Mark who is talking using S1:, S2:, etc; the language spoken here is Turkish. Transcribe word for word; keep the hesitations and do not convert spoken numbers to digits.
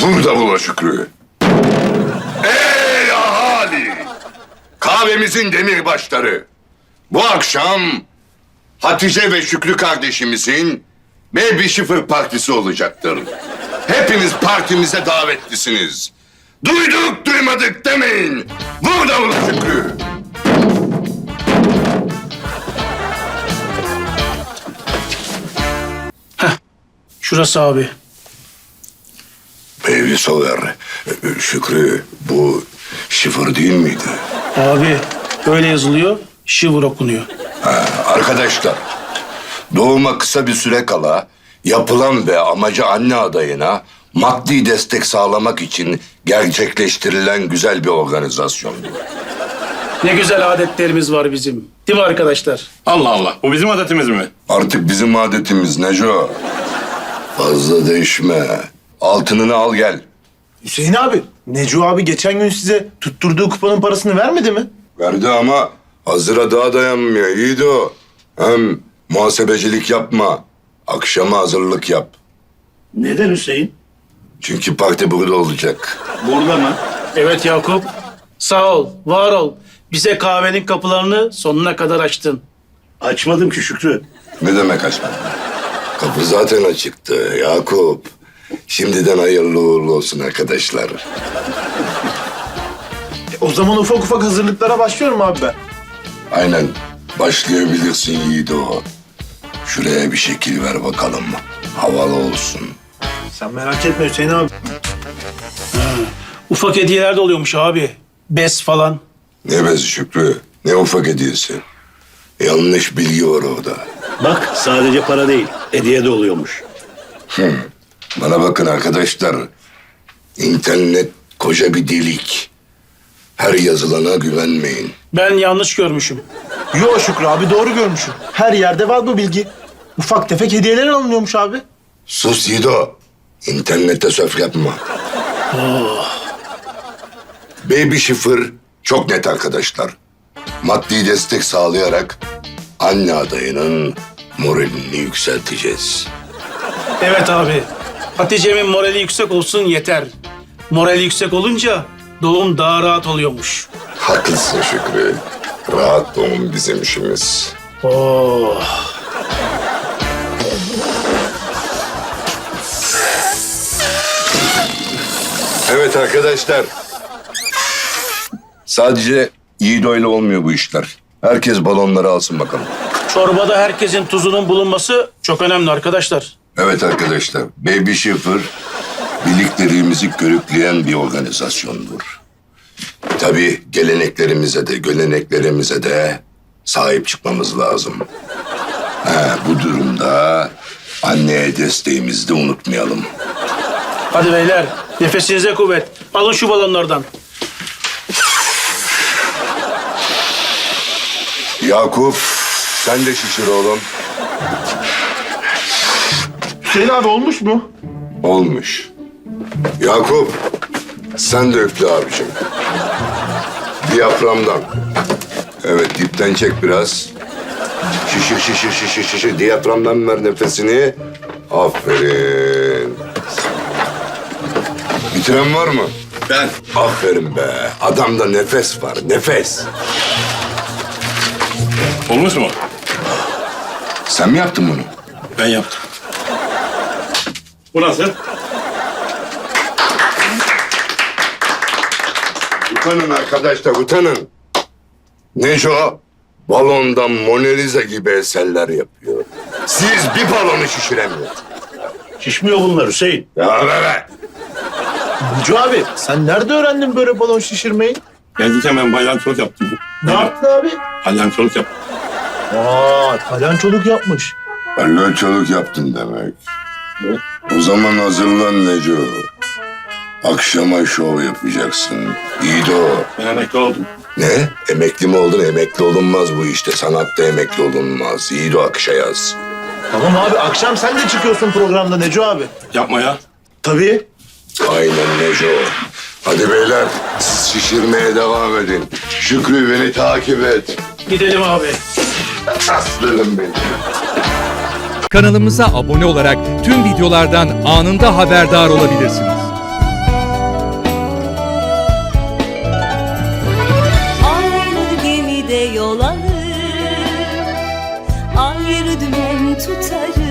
S1: Vur davula Şükrü. Ey ahali! Kahvemizin demirbaşları. Bu akşam Hatice ve Şükrü kardeşimizin Baby Şifır partisi olacaktır. Hepiniz partimize davetlisiniz. Duyduk duymadık demeyin. Vur davula Şükrü.
S2: Şurası abi.
S1: Baby Sover, Şükrü bu şifır değil miydi?
S2: Abi öyle yazılıyor, şıvır okunuyor.
S1: Ha, arkadaşlar, doğuma kısa bir süre kala yapılan ve amacı anne adayına maddi destek sağlamak için gerçekleştirilen güzel bir organizasyondu.
S2: Ne güzel adetlerimiz var bizim. Değil mi arkadaşlar?
S3: Allah Allah. Bu bizim adetimiz mi?
S1: Artık bizim adetimiz Neco. Fazla değişme. Altınını al gel.
S4: Hüseyin abi, Necu abi geçen gün size tutturduğu kuponun parasını vermedi mi?
S1: Verdi ama hazıra daha dayanmıyor. İyiydi o. Hem muhasebecilik yapma. Akşama hazırlık yap.
S3: Neden Hüseyin?
S1: Çünkü parti burada olacak.
S3: Burada mı?
S2: Evet Yakup. Sağ ol, var ol. Bize kahvenin kapılarını sonuna kadar açtın.
S3: Açmadım ki Şükrü.
S1: Ne demek açma? Kapı zaten açıktı Yakup. Şimdiden hayırlı uğurlu olsun arkadaşlar.
S4: E, o zaman ufak ufak hazırlıklara başlıyorum abi ben.
S1: Aynen. Başlayabilirsin Yiğido. Şuraya bir şekil ver bakalım. Havalı olsun.
S4: Sen merak etme Hüseyin abi.
S2: Ufak hediyeler de oluyormuş abi. Bez falan.
S1: Ne bezi Şükrü, ne ufak hediyesi. Yanlış bilgi var orada.
S3: Bak sadece para değil. Hediye de oluyormuş.
S1: Bana bakın arkadaşlar. İnternet koca bir delik. Her yazılana güvenmeyin.
S2: Ben yanlış görmüşüm.
S4: Yo Şükrü abi doğru görmüşüm. Her yerde var bu bilgi. Ufak tefek hediyeler alınıyormuş abi.
S1: Sus Yiğido. İnternette söf yapma. Baby Şifır çok net arkadaşlar. Maddi destek sağlayarak anne adayının moralini yükselteceğiz.
S2: Evet abi. Hatice'min morali yüksek olsun yeter. Morali yüksek olunca doğum daha rahat oluyormuş.
S1: Haklısın Şükrü. Rahat doğum bizim işimiz.
S2: Oh.
S1: Evet arkadaşlar. Sadece Yiğido ile olmuyor bu işler. Herkes balonları alsın bakalım.
S2: Çorbada herkesin tuzunun bulunması çok önemli arkadaşlar.
S1: Evet arkadaşlar. Baby Şifır birliklerimizi körükleyen bir organizasyondur. Tabii geleneklerimize de göleneklerimize de sahip çıkmamız lazım. Ha, bu durumda anneye desteğimizi de unutmayalım.
S2: Hadi beyler nefesinize kuvvet. Alın şu balonlardan.
S1: Yakup sen de şişir oğlum.
S4: Hüseyin abi olmuş mu?
S1: Olmuş. Yakup sen de üfle abicim. Diyaframdan. Evet dipten çek biraz. Şişir şişir şişir şişir. Diyaframdan ver nefesini. Aferin. Bitiren var mı?
S3: Ben.
S1: Aferin be. Adamda nefes var. Nefes.
S3: Olmuş mu?
S1: Sen mi yaptın bunu?
S3: Ben yaptım. Bu nasıl?
S1: Utanın arkadaşlar utanın. Neco balondan Mona Lisa gibi eserler yapıyor. Siz bir balonu şişiremiyorsunuz.
S3: Şişmiyor bunlar Hüseyin.
S1: Ya be be.
S4: Necu abi sen nerede öğrendin böyle balon şişirmeyi?
S3: Geldikken ben balyançoluk yaptım.
S4: Ne yaptın abi?
S3: Balyançoluk yaptım.
S4: Aa, palyançoluk yapmış.
S1: Palyaçoluk yaptın demek. O zaman hazırlan Neco. Akşama şov yapacaksın. İyi de o.
S3: Ben emekli oldum.
S1: Ne? Emekli mi oldun? Emekli olunmaz bu işte. Sanatta emekli olunmaz. İyi de o akışa yaz.
S4: Tamam abi akşam sen de çıkıyorsun programda Necu abi.
S3: Yapma ya.
S4: Tabii.
S1: Aynen Neco. Hadi beyler siz şişirmeye devam edin. Şükrü beni takip et.
S2: Gidelim abi.
S1: Aslanım benim.
S5: Kanalımıza abone olarak tüm videolardan anında haberdar olabilirsiniz. bir dümen tutarım.